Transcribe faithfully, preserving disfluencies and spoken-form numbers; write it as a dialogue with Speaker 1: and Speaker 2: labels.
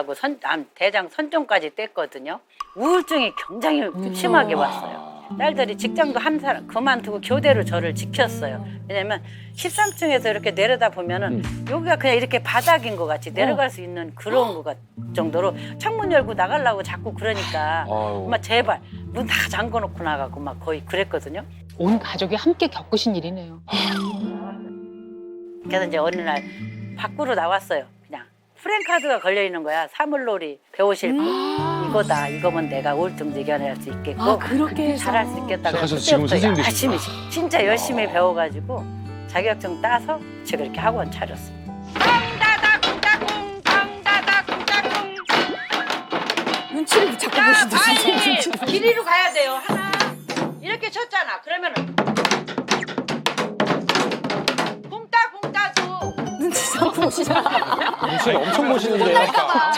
Speaker 1: 암하고 선, 암, 대장 선종까지 뗐거든요. 우울증이 굉장히 심하게 왔어요. 딸들이 직장도 한 사람 그만두고 교대로 저를 지켰어요. 왜냐면 십삼 층에서 이렇게 내려다 보면은 여기가 그냥 이렇게 바닥인 것 같이 내려갈 수 있는 그런 것 같, 정도로 창문 열고 나가려고 자꾸 그러니까 엄마 제발 문 다 잠궈 놓고 나가고 막 거의 그랬거든요.
Speaker 2: 온 가족이 함께 겪으신 일이네요.
Speaker 1: 그래서 이제 어느 날 밖으로 나왔어요. 그냥 프랭카드가 걸려 있는 거야. 사물놀이 배우실 분. 이거다. 이거면 내가 우울증도 이겨낼 수 있겠고
Speaker 3: 아, 그렇게 해서.
Speaker 1: 잘할 수 있겠다.
Speaker 4: 시작하셔서
Speaker 1: 그래서
Speaker 4: 지금
Speaker 1: 그때부터
Speaker 4: 선생님
Speaker 1: 열심히 진짜 열심히 배워가지고 자격증 따서 제가 이렇게 학원 차렸어요.
Speaker 3: 눈치를 자꾸 보시듯이. 눈치를.
Speaker 1: 길이로 가야 돼요. 하나 이렇게 쳤잖아. 그러면은 붕따 붕따도
Speaker 3: 눈치 자꾸 보시잖아.
Speaker 4: 눈치를 엄청 보시는데요.